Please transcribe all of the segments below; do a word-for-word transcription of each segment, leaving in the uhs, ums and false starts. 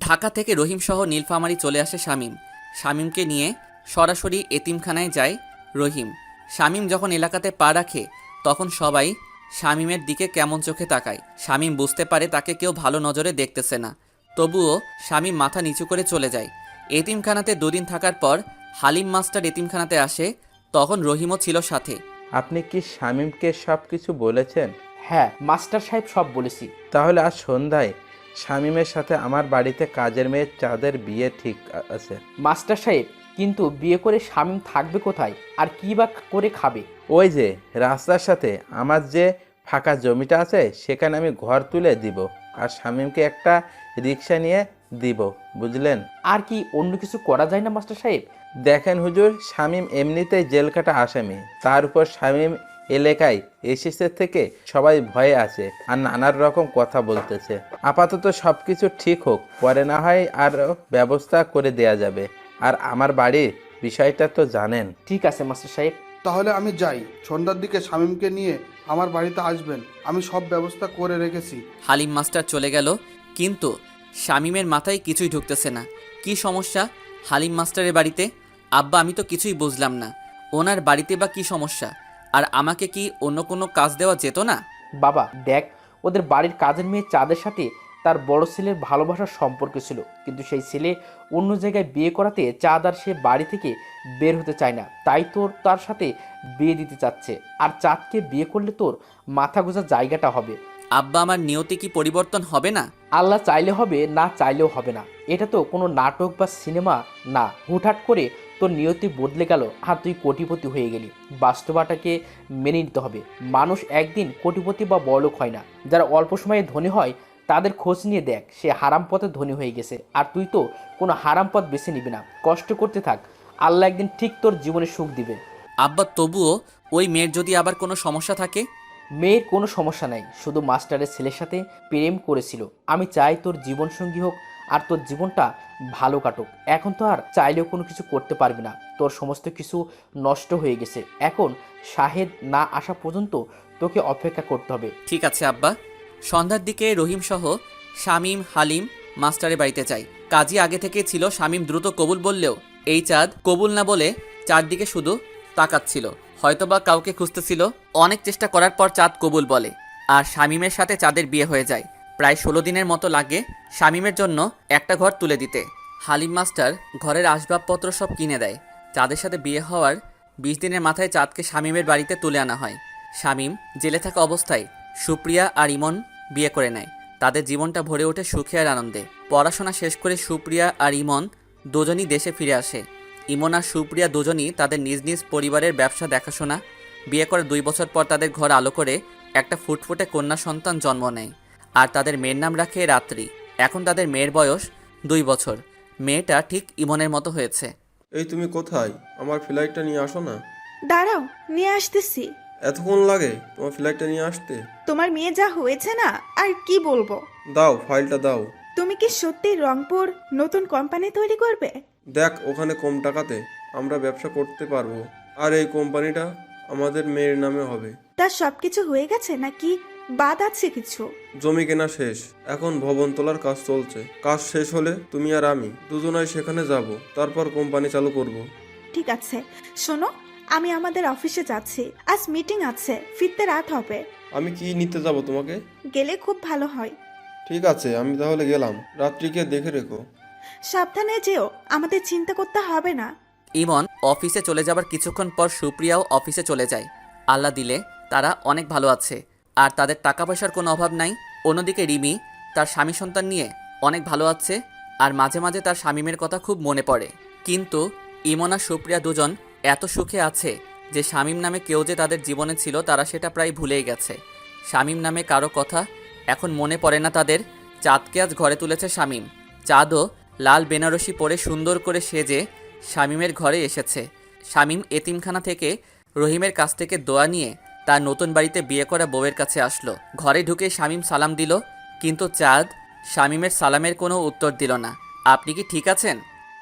ঢাকা থেকে রহিম সহ নীলফামারী চলে আসে শামীম। শামীমকে নিয়ে সরাসরি এতিমখানায় যায় রহিম। শামীম যখন এলাকাতে পা রাখে তখন সবাই শামীমের দিকে কেমন চোখে তাকায়। শামীম বুঝতে পারে তাকে কেউ ভালো নজরে দেখতেছে না, তবুও শামীম মাথা নিচু করে চলে যায়। এতিমখানাতে দুদিন থাকার পর হালিম মাস্টার এতিমখানাতে আসে, তখন রহিমও ছিল সাথে। আপনি কি শামীমকে সব কিছু বলেছেন? হ্যাঁ মাস্টার সাহেব, সব বলেছি। তাহলে আজ সন্ধ্যায় শামীমের সাথে আমার বাড়িতে কাজের মেয়ের চাঁদের বিয়ে ঠিক আছে। মাস্টার সাহেব, কিন্তু বিয়ে করে শামীম থাকবে কোথায় আর কী বা করে খাবে? ওই যে রাস্তার সাথে আমার যে ফাঁকা জমিটা আছে সেখানে আমি ঘর তুলে দিব, আর শামীমকে একটা রিক্সা নিয়ে দিব, বুঝলেন? আর কি অন্য কিছু করা যায় না মাস্টার সাহেব? দেখেন হুজুর, শামীম এমনিতেই জেল কাটা আসামি, তার উপর শামীম এলাকায় এসেছে থেকে সবাই ভয়ে আছে আর নানান রকম কথা বলতেছে। আপাতত সব কিছু ঠিক হোক, পরে না হয় আর ব্যবস্থা করে দেয়া যাবে। আর আমার বাড়ির বিষয়টা তো জানেন। ঠিক আছে মাস্টার সাহেব। তাহলে আমি যাই, সন্ধ্যার দিকে শামীমকে নিয়ে আমার বাড়িতে আসবেন, আমি সব ব্যবস্থা করে রেখেছি। হালিম মাস্টার চলে গেল, কিন্তু শামীমের মাথায় কিছুই ঢুকতেছে না। কি সমস্যা হালিম মাস্টারের বাড়িতে? আব্বা, আমি তো কিছুই বুঝলাম না। ওনার বাড়িতে বা কি সমস্যা? আর আমাকে কি অন্য কোনো কাজ দেওয়া যেত না? বাবা দেখ, ওদের বাড়ির কাজের মেয়ে চাঁদের সাথে তার বড় ছেলের ভালোবাসার সম্পর্ক ছিল, কিন্তু সেই ছেলে অন্য জায়গায় বিয়ে করাতে চাঁদ আর সে বাড়ি থেকে বের হতে চায় না, তাই তোর তার সাথে বিয়ে দিতে চাচ্ছে। আর চাঁদকে বিয়ে করলে তোর মাথা গোঁজার জায়গাটা হবে। আব্বা, আমার নিয়তি কি পরিবর্তন হবে না? আল্লাহ চাইলে হবে, না চাইলেও হবে না। এটা তো কোনো নাটক বা সিনেমা না, হুটহাট করে তোর নিয়তি বদলে গেল আর তুই কোটিপতি হয়ে গেলি। বাস্তবতাকে মেনে নিতে হবে। মানুষ একদিন কোটিপতি বা বড়লোক হয় না। যারা অল্প সময়ে ধনী হয় তাদের খোঁজ নিয়ে দেখ, সে হারাম পথে ধনী হয়ে গেছে। আর তুই তো কোনো হারাম পথ বেছে নিবি না, কষ্ট করতে থাক, আল্লাহ একদিন ঠিক তোর জীবনে সুখ দিবে। আব্বা, তবুও ওই মেয়ের যদি আবার কোনো সমস্যা থাকে? মেয়ের কোনো সমস্যা নাই, শুধু মাস্টারের ছেলের সাথে প্রেম করেছিল। আমি চাই তোর জীবনসঙ্গী হোক আর তোর জীবনটা ভালো কাটুক। এখন তো আর চাইলেও কোনো কিছু করতে পারবি না, তোর সমস্ত কিছু নষ্ট হয়ে গেছে। এখন শাহেদ না আসা পর্যন্ত তোকে অপেক্ষা করতে হবে। ঠিক আছে আব্বা। সন্ধ্যার দিকে রহিম সহ শামীম হালিম মাস্টারের বাড়িতে যায়। কাজী আগে থেকে ছিল, শামীম দ্রুত কবুল বললেও এই চাঁদ কবুল না বলে চারদিকে শুধু তাকাচ্ছিল, হয়তোবা কাউকে খুঁজতেছিল। অনেক চেষ্টা করার পর চাঁদ কবুল বলে আর শামীমের সাথে চাঁদের বিয়ে হয়ে যায়। প্রায় ষোলো দিনের মতো লাগে শামীমের জন্য একটা ঘর তুলে দিতে। হালিম মাস্টার ঘরের আসবাবপত্র সব কিনে দেয়। চাঁদের সাথে বিয়ে হওয়ার বিশ দিনের মাথায় চাঁদকে শামীমের বাড়িতে তুলে আনা হয়। শামীম জেলে থাকা অবস্থায় সুপ্রিয়া আর ইমন বিয়ে করে নেয়। তাদের জীবনটা ভরে ওঠে সুখে আর আনন্দে। পড়াশোনা শেষ করে সুপ্রিয়া আর ইমন দুজনই দেশে ফিরে আসে। ইমন আর সুপ্রিয়া দুজনই তাদের নিজ নিজ পরিবারের ব্যবসা দেখাশোনা। বিয়ে করে দুই বছর পর তাদের ঘর আলো করে একটা ফুটফুটে কন্যা সন্তান জন্ম নেয়, আর তাদের মেয়ের নাম রাখে রাত্রি। এখন তাদের মেয়ের বয়স দুই বছর। মেয়েটা ঠিক ইমনের মতো হয়েছে। এই তুমি কোথায়? আমার ফ্লাইটটা নিয়ে আসো না। দাঁড়াও, নিয়ে আসতেছি। এতক্ষণ লাগে তোমার ফ্লাইটটা নিয়ে আসতে? তোমার মেয়ে যা হয়েছে না, আর কি বলবো। দাও, ফাইলটা দাও। তুমি কি সত্যি রংপুর নতুন কোম্পানি তৈরি করবে? দেখ, ওখানে কম টাকাতে আমরা ব্যবসা করতে পারবো, আর এই কোম্পানিটা আমাদের মেয়ের নামে হবে। তার সবকিছু হয়ে গেছে নাকি বাদ আছে কিছু? জমি কেনা শেষ, এখন ভবন তোলার কাজ চলছে। কাজ শেষ হলে তুমি আর আমি দুজনাই সেখানে যাব, তারপর কোম্পানি চালু করব। ঠিক আছে, শোনো, আমি আমাদের অফিসে যাচ্ছি, আজ মিটিং আছে, ফিরতে রাত হবে। আমি কি নিতে যাব তোমাকে? গেলে খুব ভালো হয়। ঠিক আছে, আমি তাহলে গেলাম। রাত্রিকে দেখে রেখো। সাবধানে যেও, আমাদের চিন্তা করতে হবে না। ইমন অফিসে চলে যাবার কিছুক্ষণ পর সুপ্রিয়াও অফিসে চলে যায়। আল্লাহ দিলে তারা অনেক ভালো আছে, আর তাদের টাকা পয়সার কোনো অভাব নাই। অন্যদিকে রিমি তার স্বামী সন্তান নিয়ে অনেক ভালো আছে, আর মাঝে মাঝে তার শামীমের কথা খুব মনে পড়ে। কিন্তু ইমন আর সুপ্রিয়া দুজন এত সুখে আছে যে শামীম নামে কেউ যে তাদের জীবনে ছিল তারা সেটা প্রায় ভুলেই গেছে। শামীম নামে কারো কথা এখন মনে পড়ে না তাদের। চাঁদকে আজ ঘরে তুলেছে শামীম। চাঁদও লাল বেনারসি পরে সুন্দর করে সেজে শামীমের ঘরে এসেছে। শামীম এতিমখানা থেকে রহিমের কাছ থেকে দোয়া নিয়ে তার নতুন বাড়িতে বিয়ে করা বউয়ের কাছে আসলো। ঘরে ঢুকে শামীম সালাম দিল, কিন্তু চাঁদ শামীমের সালামের কোনো উত্তর দিল না। আপনি কি ঠিক আছেন?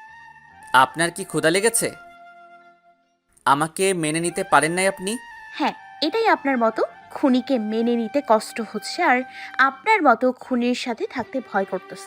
আপনার কি ক্ষুধা লেগেছে? আমাকে মেনে নিতে পারেন নাই আপনি? হ্যাঁ, এটাই আপনার মতো খুনিকে মেনে নিতে কষ্ট হচ্ছে, আর আপনার মতো খুনির সাথে থাকতে ভয় করতেছে।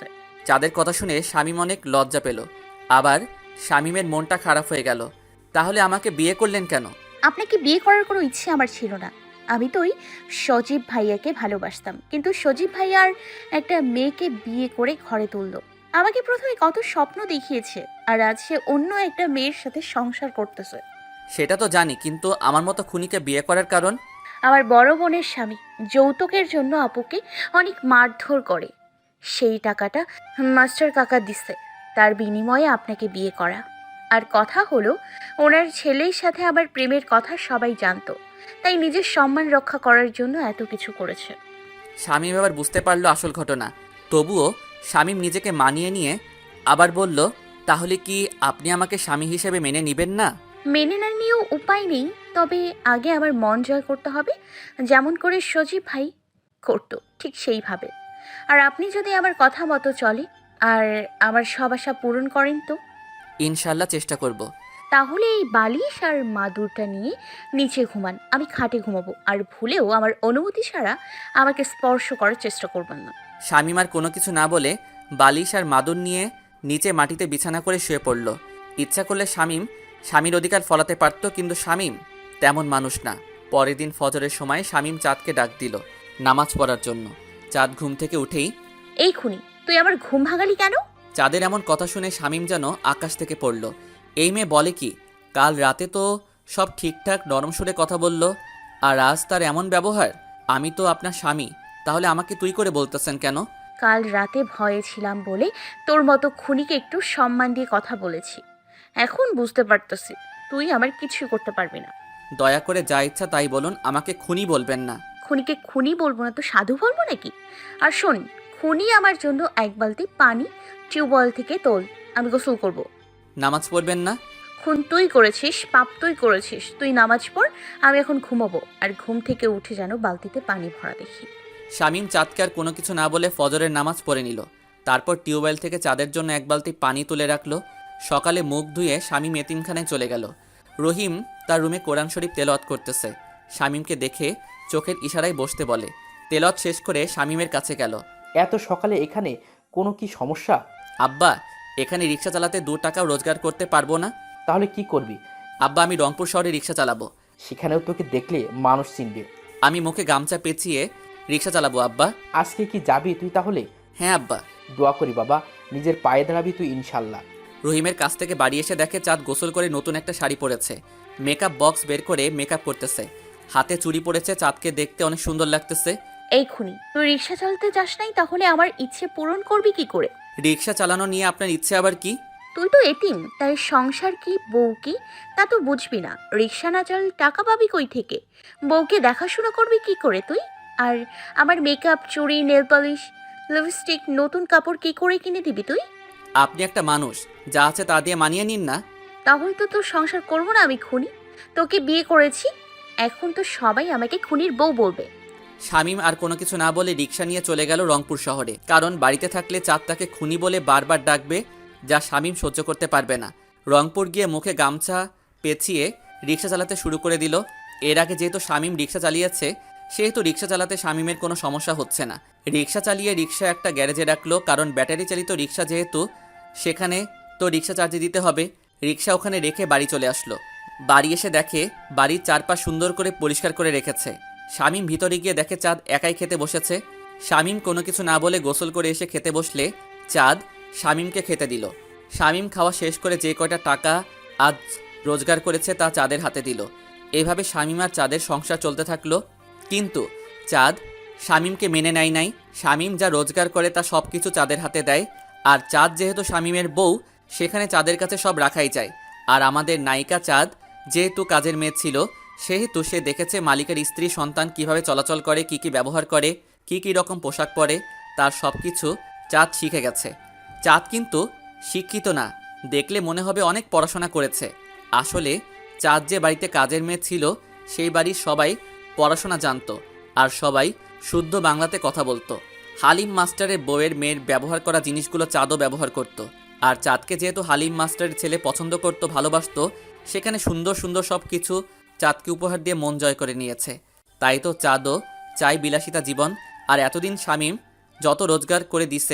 চাঁদের কথা শুনে শামীম অনেক লজ্জা পেল। আবার শামীমের মনটা খারাপ হয়ে গেল। তাহলে আমাকে বিয়ে করলেন কেন? আপনাকে বিয়ে করার কোনো ইচ্ছে আমার ছিল না। আমি তো ওই সজীব ভাইয়াকে ভালোবাসতাম, কিন্তু সজীব ভাইয়ার একটা মেয়েকে বিয়ে করে ঘরে তুললো। আমাকে প্রথমে কত স্বপ্ন দেখিয়েছে, আর আজ সে অন্য একটা মেয়ের সাথে সংসার করতেছে। সেটা তো জানি, কিন্তু আমার মতো খুনিকে বিয়ে করার কারণ? আমার বড় বোনের স্বামী যৌতুকের জন্য আপুকে অনেক মারধর করে। সেই টাকাটা মাস্টার কাকা দিছে, তার বিনিময়ে আপনাকে বিয়ে করা। আর কথা হলো, ওনার ছেলের সাথে আমার প্রেমের কথা সবাই জানতো, তাই নিজের সম্মান রক্ষা করার জন্য এত কিছু করেছে। শামীম এবার বুঝতে পারলো আসল ঘটনা। তবুও শামীম নিজেকে মানিয়ে নিয়ে আবার বলল, তাহলে কি আপনি আমাকে স্বামী হিসেবে মেনে নেবেন না? মেনে না নিয়েও উপায় নেই, তবে আগে আমার মন জয় করতে হবে, যেমন করে সজীব ভাই করতো ঠিক সেইভাবে। আর আপনি যদি আমার কথা মতো চলে আর আমার সব আশা পূরণ করেন তো ইনশাল্লাহ চেষ্টা করব। তাহলে এই বালিশ আর মাদুরটা নিয়ে নিচে ঘুমান, আমি খাটে ঘুমাবো। আর ভুলেও আমার অনুমতি ছাড়া আমাকে স্পর্শ করার চেষ্টা করবেন না। শামীম আর কোনো কিছু না বলে বালিশ আর মাদুর নিয়ে নিচে মাটিতে বিছানা করে শুয়ে পড়ল। ইচ্ছা করলে শামীম স্বামীর অধিকার ফলাতে পারত, কিন্তু শামীম তেমন মানুষ না। পরের দিন ফজরের সময় শামীম চাঁদকে ডাক দিল নামাজ পড়ার জন্য। চাঁদ ঘুম থেকে উঠেই, এই খুনি, তুই আমার ঘুম ভাঙালি কেন? চাঁদের এমন কথা শুনে শামীম যেন আকাশ থেকে পড়ল। এই মেয়ে বলে কি? কাল রাতে তো সব ঠিকঠাক নরম সুরে কথা বলল, আর আজ তার এমন ব্যবহার। আমি তো আপনার স্বামী, তাহলে আমাকে তুই করে বলতেছেন কেন? কাল রাতে ভয়ে ছিলাম বলে তোর মতো খুনিকে একটু সম্মান দিয়ে কথা বলেছি। এখন বুঝতে পারতেছি তুই আমার কিছুই করতে পারবি না। দয়া করে যা ইচ্ছা তাই বলুন, আমাকে খুনি বলবেন না। খুনিকে খুনি বলবো না তো সাধু বলবো নাকি? আর শোন, খুনি আমার জন্য এক বালতি পানি টিউবওয়েল থেকে তোল, আমি গোসল করব। নামাজ পড়বেন না? খুন তুই করেছিস, পাপ তুই করেছিস, তুই নামাজ পড়, আমি এখন ঘুমাবো। আর ঘুম থেকে উঠে যেন বালতিতে পানি ভরা দেখি। শামীম চাঁদকে আর কোনো কিছু না বলে ফজরের নামাজ পড়ে নিল। তারপর টিউবওয়েল থেকে চাঁদের জন্য এক বালতি পানি তুলে রাখলো। সকালে মুখ ধুয়ে শামীম এতিমখানায় চলে গেল। রহিম তার রুমে কোরআন শরীফ তেলাওয়াত করতেছে। শামীমকে দেখে চোখের ইশারায় বসতে বলে। তেলাওয়াত শেষ করে শামীমের কাছে গেল। এত সকালে এখানে কোনো কি সমস্যা? আব্বা, এখানে রিক্সা চালাতে দু টাকাও রোজগার করতে পারবো না। তাহলে কি করবি? আব্বা, আমি রংপুর শহরে রিক্সা চালাবো। সেখানেও তোকে দেখলে মানুষ চিনবে। আমি মুখে গামছা পেঁচিয়ে রিক্সা চালাবো আব্বা। আজকে কি যাবি তুই তাহলে? হ্যাঁ আব্বা। দোয়া করি বাবা, নিজের পায়ে দাঁড়াবি তুই ইনশাল্লাহ। রহিমের কাছ থেকে বাড়ি এসে দেখে চাঁদ গোসল করে নতুন একটা শাড়ি পরেছে। মেকআপ বক্স বের করে মেকআপ করতেছে। হাতে চুড়ি পরেছে। চাঁদকে দেখতে অনেক সুন্দর লাগতেছে। এই খুনি, তুই রিক্সা চালাতে যাস নাই, তাহলে আমার ইচ্ছে পূরণ করবি কি করে? রিক্সা চালানো নিয়ে আপনার ইচ্ছে আবার কি? তুই তো এতিম, তাই সংসার কি বউ কি তা তো বুঝবি না। রিক্সা না চালালে টাকা পাবি কই থেকে? বউকে দেখাশোনা করবি কি করে তুই? আর আমার মেকআপ, চুড়ি, নেল পলিশ, লিপস্টিক, নতুন কাপড় কি করে কিনে দিবি তুই? আপনি একটা মানুষ, যা আছে তা দিয়ে মানিয়ে নিন না। তাহলে তো তোর সংসার করবো না আমি খুনি। তোকে বিয়ে করেছি, এখন তো সবাই আমাকে খুনির বউ বলবে। শামীম আর কোনো কিছু না বলে রিক্সা নিয়ে চলে গেল রংপুর শহরে। কারণ বাড়িতে থাকলে চাঁদ তাকে খুনি বলে বারবার ডাকবে, যা শামীম সহ্য করতে পারবে না। রংপুর গিয়ে মুখে গামছা পেঁচিয়ে রিক্সা চালাতে শুরু করে দিল। এর আগে যেহেতু শামীম রিক্সা চালিয়েছে, সেহেতু রিক্সা চালাতে শামীমের কোনো সমস্যা হচ্ছে না। রিক্সা চালিয়ে রিক্সা একটা গ্যারেজে রাখলো, কারণ ব্যাটারি চালিত রিক্সা যেহেতু, সেখানে তো রিক্সা চার্জে দিতে হবে। রিক্সা ওখানে রেখে বাড়ি চলে আসলো। বাড়ি এসে দেখে বাড়ির চারপাশ সুন্দর করে পরিষ্কার করে রেখেছে। শামীম ভিতরে গিয়ে দেখে চাঁদ একাই খেতে বসেছে। শামীম কোনো কিছু না বলে গোসল করে এসে খেতে বসলে চাঁদ শামীমকে খেতে দিল। শামীম খাওয়া শেষ করে যে কয়টা টাকা আজ রোজগার করেছে তা চাঁদের হাতে দিল। এভাবে শামীম আর চাঁদের সংসার চলতে থাকলো। কিন্তু চাঁদ শামীমকে মেনে নেয় নাই। শামীম যা রোজগার করে তা সব কিছু চাঁদের হাতে দেয়। আর চাঁদ যেহেতু শামীমের বউ, সেখানে চাঁদের কাছে সব রাখাই যায়। আর আমাদের নায়িকা চাঁদ যেহেতু কাজের মেয়ে ছিল, সেহেতু সে দেখেছে মালিকের স্ত্রী সন্তান কিভাবে চলাচল করে, কি কি ব্যবহার করে, কি কি রকম পোশাক পরে, তার সব কিছু চাঁদ শিখে গেছে। চাঁদ কিন্তু শিক্ষিত না, দেখলে মনে হবে অনেক পড়াশোনা করেছে। আসলে চাঁদ যে বাড়িতে কাজের মেয়ে ছিল, সেই বাড়ির সবাই পড়াশোনা জানতো, আর সবাই শুদ্ধ বাংলাতে কথা বলতো। হালিম মাস্টারের বউয়ের মেয়ের ব্যবহার করা জিনিসগুলো চাঁদও ব্যবহার করত। আর চাঁদকে যেহেতু হালিম মাস্টারের ছেলে পছন্দ করত, ভালোবাসতো, সেখানে সুন্দর সুন্দর সব কিছু চাঁদকে উপহার দিয়ে মন জয় করে নিয়েছে। তাই তো চাঁদও চাই বিলাসিতা জীবন। আর এতদিন শামীম যত রোজগার করে দিছে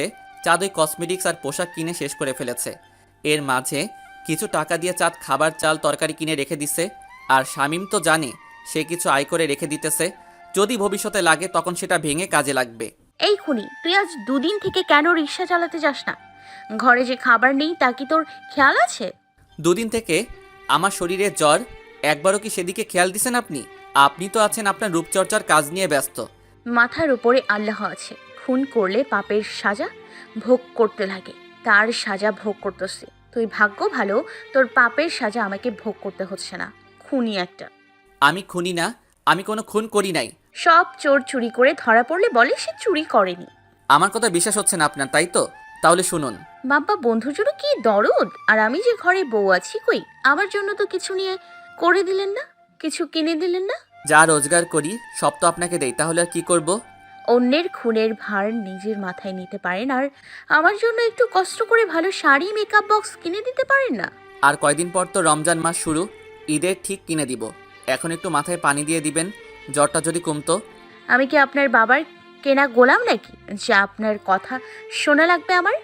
চাঁদ ওই কসমেটিক্স আর পোশাক কিনে শেষ করে ফেলেছে। এর মাঝে কিছু টাকা দিয়ে চাঁদ খাবার চাল তরকারি কিনে রেখে দিছে। আর শামীম তো জানে সে কিছু আয় করে রেখে দিতেছে, যদি ভবিষ্যতে লাগে তখন সেটা ভেঙে কাজে লাগবে। এই খুনি, তুই আজ দুদিন থেকে কেন রিক্সা চালাতে যাস না? ঘরে যে খাবার নেই তা কি তোর খেয়াল আছে? দুদিন থেকে আমার শরীরে জ্বর, একবারও কি সেদিকে খেয়াল দিছেন আপনি? আপনি তো আছেন আপনার রূপচর্চার কাজ নিয়ে ব্যস্ত। মাথার উপরে আল্লাহ আছে, খুন করলে পাপের সাজা ভোগ করতে লাগে, তার সাজা ভোগ করতেছে। তুই ভাগ্য ভালো, তোর পাপের সাজা আমাকে ভোগ করতে হচ্ছে না। খুনি একটা। আমি খুনি না, আমি কোনো খুন করি নাই। সব চোর চুরি করে ধরা পড়লে বলে সে চুরি করেনি। আমার কথা বিশ্বাস হচ্ছে না আপনার, তাই তো? তাহলে শুনুন। বাবা, বন্ধুর জন্য কি দরদ! আর আমি যে ঘরে বউ আছি, কই আমার জন্য তো কিছু নিয়ে করে দিলেন না, কিছু কিনে দিলেন না। যা রোজগার করি সব তো আপনাকে দেই, তাহলে আর কি করব? অন্যের খুনের ভার নিজের মাথায় নিতে পারেন, আর আমার জন্য একটু কষ্ট করে ভালো শাড়ি, মেকআপ বক্স কিনে দিতে পারেন না? আর কয়দিন পর তো রমজান মাস শুরু, ঈদের ঠিক কিনে দিব। এখন একটু মাথায় পানি দিয়ে দিবেন, জ্বরটা যদি কমতো। আমি কি আপনার বাবার কেনা গোলাম নাকি যে আপনার কথা শোনা লাগবে আমার?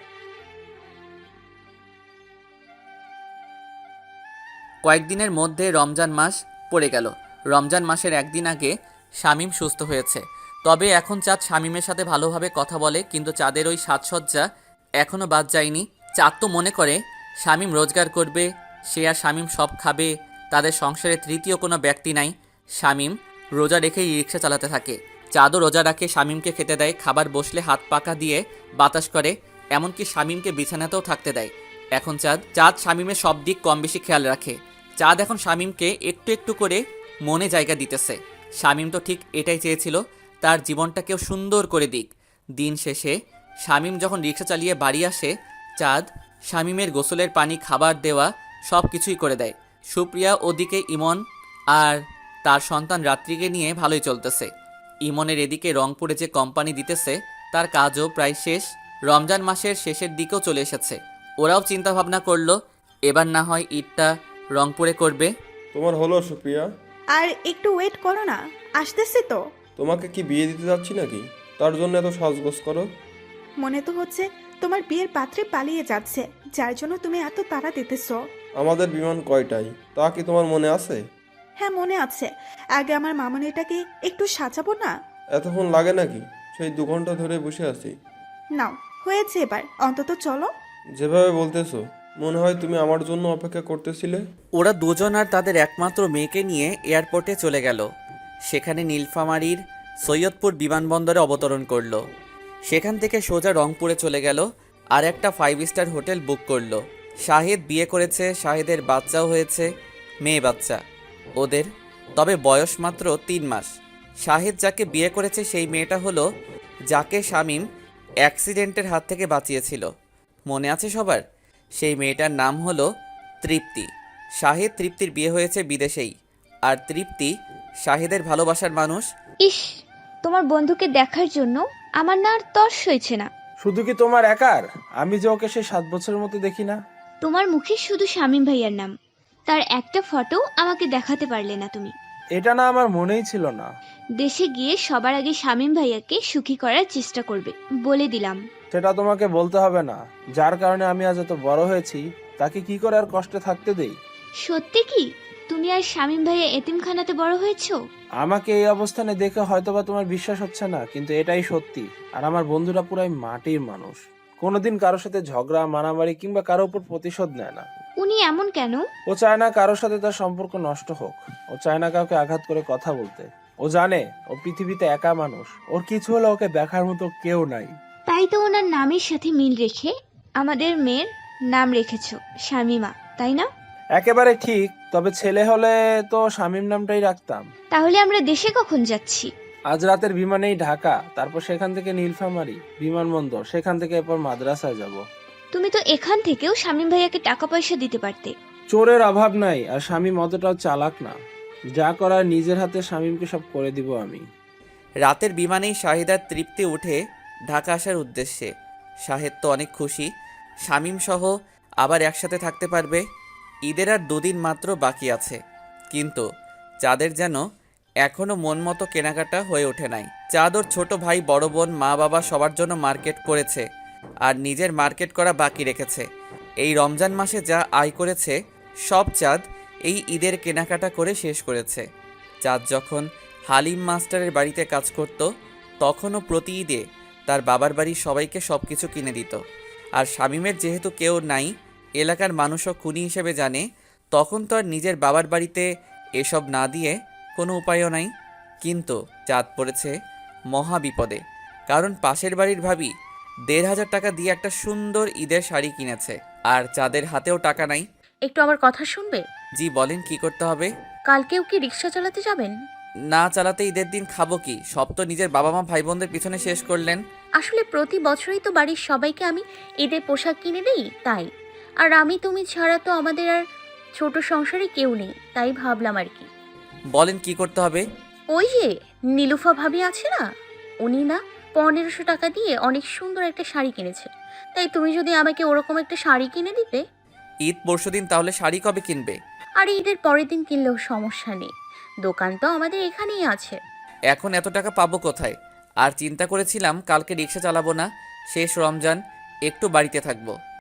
কয়েকদিনের মধ্যে রমজান মাস পড়ে গেল। রমজান মাসের একদিন আগে শামীম সুস্থ হয়েছে। তবে এখন চাঁদ শামীমের সাথে ভালোভাবে কথা বলে, কিন্তু চাঁদের ওই সাজসজ্জা এখনও বাদ যায়নি। চাঁদ তো মনে করে শামীম রোজগার করবে, সে আর শামীম সব খাবে, তাদের সংসারে তৃতীয় কোনো ব্যক্তি নাই। শামীম রোজা রেখেই রিক্সা চালাতে থাকে। চাঁদও রোজা রাখে, শামীমকে খেতে দেয়, খাবার বসলে হাত পাকা দিয়ে বাতাস করে, এমনকি শামীমকে বিছানাতেও থাকতে দেয়। এখন চাঁদ চাঁদ শামীমের সব দিক কম বেশি খেয়াল রাখে। চাঁদ এখন শামীমকে একটু একটু করে মনে জায়গা দিতেছে। শামীম তো ঠিক এটাই চেয়েছিল, তার জীবনটা কেউ সুন্দর করে দিক। দিন শেষে শামীম যখন রিক্সা চালিয়ে বাড়ি আসে, চাঁদ শামীমের গোসলের পানি, খাবার দেওয়া সব কিছুই করে দেয়। সুপ্রিয়া ওদিকে ইমন আর তার সন্তান রাত্রিকে নিয়ে ভালোই চলতেছে। ইমনের এদিকে রংপুরে যে কোম্পানি দিতেছে তার কাজও প্রায় শেষ, রমজান মাসের শেষের দিকেও চলে এসেছে। ওরাও চিন্তা ভাবনা করলো এবার না হয় ঈদটা রংপুরে করবে। তোমার হলো সুপ্রিয়া? আর একটু ওয়েট করো না, আসতেছি তো। তোমাকে কি বিয়ে দিতে যাচ্ছি নাকি, তার জন্য এত সাজগোজ করো? মনে তো হচ্ছে তোমার বিয়ের পাত্রে পালিয়ে যাচ্ছে, যার জন্য তুমি এত তাড়া দিতেছো। আমাদের বিমান কয়টায় তা কি তোমার মনে আছে? হ্যাঁ, মনে আছে। আগে আমার মামনিটাকে একটু সাজাবো না? এতক্ষণ লাগে নাকি? সেই দু ঘন্টা ধরে বসে আছি। নাও, হয়েছে এবার, অন্তত চলো। যেভাবে বলতেছো মনে হয় তুমি আমার জন্য অপেক্ষা করতেছিলে। ওরা দুজন আর তাদের একমাত্র মেয়েকে নিয়ে এয়ারপোর্টে চলে গেল। সেখানে নীলফামারীর সৈয়দপুর বিমানবন্দরে অবতরণ করলো। সেখান থেকে সোজা রংপুরে চলে গেল আর একটা ফাইভ স্টার হোটেল বুক করলো। শাহিদ বিয়ে করেছে, শাহিদের বাচ্চাও হয়েছে, মেয়ে বাচ্চা ওদের, তবে বয়স মাত্র তিন মাস। শাহিদ যাকে বিয়ে করেছে সেই মেয়েটা হলো যাকে শামীম অ্যাক্সিডেন্টের হাত থেকে বাঁচিয়েছিল, মনে আছে সবার? সেই মেয়েটার নাম হলো তৃপ্তি। শাহিদ তৃপ্তির বিয়ে হয়েছে বিদেশেই, আর তৃপ্তি শাহিদের ভালোবাসার মানুষ। ইস, তোমার বন্ধুকে দেখার জন্য আমার না আর তর্স হয়েছে না। শুধু কি তোমার একার? আমি যে ওকে সে সাত বছরের মতো দেখি না। তোমার মুখে শুধু শামীম ভাইয়ার নাম, তার একটা ফটো আমাকে দেখাতে পারলে না তুমি। এটা না আমার মনেই ছিল না। দেশে গিয়ে সবার আগে শামীম ভাইয়াকে সুখী করার চেষ্টা করবে, বলে দিলাম। সেটা তোমাকে বলতে হবে না। যার কারণে আমি আজ এত বড় হয়েছি তাকে কি করে আর কষ্টে থাকতে দেই? সত্যি কি তুমি আর শামীম ভাইয়া এতিমখানাতে বড় হয়েছো? আমাকে এই অবস্থানে দেখে হয়তোবা তোমার বিশ্বাস হচ্ছে না, কিন্তু এটাই সত্যি। আর আমার বন্ধুরা পুরাই মাটির মানুষ, কোনোদিন কারোর সাথে ঝগড়া, মারামারি কিংবা কারোর উপর প্রতিশোধ নেয় না। উনি এমন কেন? ও চায় না কারোর সাথে তার সম্পর্ক নষ্ট হোক। ও চায় না কাউকে আঘাত করে কথা বলতে। ও জানে ও পৃথিবীতে একা মানুষ, ওর কিছু হলে ওকে দেখার মতো কেউ নাই। তাই তো ওনার নামের সাথে মিল রেখে আমাদের মেয়ের নাম রেখেছো শামীমা, তাই না? একেবারে ঠিক, তবে ছেলে হলে তো শামীম নামটাই রাখতাম। তাহলে আমরা দেশে কখন যাচ্ছি? আজ রাতের বিমানেই ঢাকা, তারপর সেখান থেকে নীলফামারী বিমানবন্দর, সেখান থেকে এরপর মাদ্রাসায় যাব। তুমি তো এখান থেকেও শামীম ভাইয়াকে টাকা পয়সা দিতে পারতে। চোরের অভাব নাই, আর শামীম অতটাও চালাক না। যা করার নিজের হাতে শামীমকে সব করে দিব আমি। রাতের বিমানেই শাহিদার তৃপ্তি উঠে ঢাকা আসার উদ্দেশ্যে। শাহেদ তো অনেক খুশি, শামীম সহ আবার একসাথে থাকতে পারবে। ঈদের আর দুদিন মাত্র বাকি আছে, কিন্তু চাঁদের যেন এখনও মন মতো কেনাকাটা হয়ে ওঠে নাই। চাঁদ ওর ছোট ভাই, বড় বোন, মা বাবা সবার জন্য মার্কেট করেছে, আর নিজের মার্কেট করা বাকি রেখেছে। এই রমজান মাসে যা আয় করেছে সব চাঁদ এই ঈদের কেনাকাটা করে শেষ করেছে। চাঁদ যখন হালিম মাস্টারের বাড়িতে কাজ করত তখনও প্রতি ঈদে তার বাবার বাড়ির সবাইকে সব কিছু কিনে দিত। আর শামীমের যেহেতু কেউ নাই, এলাকার মানুষও খুনি হিসেবে জানে, তখন তো আর নিজের বাবার বাড়িতে এসব না দিয়ে কোনো উপায়ও নাই। কিন্তু চাঁদ পড়েছে মহা বিপদে, কারণ পাশের বাড়ির ভাবি দেড় হাজার টাকা দিয়ে একটা সুন্দর ঈদের শাড়ি কিনেছে, আর চাঁদের হাতেও টাকা নাই। একটু আমার কথা শুনবে? জি বলেন, কি করতে হবে? কালকেও কি রিক্সা চালাতে যাবেন? না চালাতে ঈদের দিন খাবো কি? সব তো নিজের বাবা মা ভাই বোনদের পিছনে শেষ করলেন। আসলে প্রতি বছরই তো বাড়ির সবাইকে আমি ঈদের পোশাক কিনে দিই, তাই। আর আমি তুমি ছাড়া তো আমাদের আর ছোট সংসারে কেউ নেই, তাই ভাবলাম আর কি। বলেন কি করতে হবে? ওই যে নীলুফা ভাবি আছে না, উনি না পনেরোশো টাকা দিয়ে অনেক সুন্দর একটা শাড়ি কিনেছে। তাই তুমি যদি আমাকে ওরকম একটা শাড়ি কিনে দিতে। ঈদ পরশুদিন, তাহলে শাড়ি কবে কিনবে? আর ঈদের পরের দিন কিনলেও সমস্যা নেই, দোকান তো আমাদের এখানেই আছে। এখন এত টাকা পাবো কোথায়? আর চিন্তা করেছিলাম কালকে রিক্সা চালাবো না, শেষ রমজান, একটু বাড়িতে থাকবো।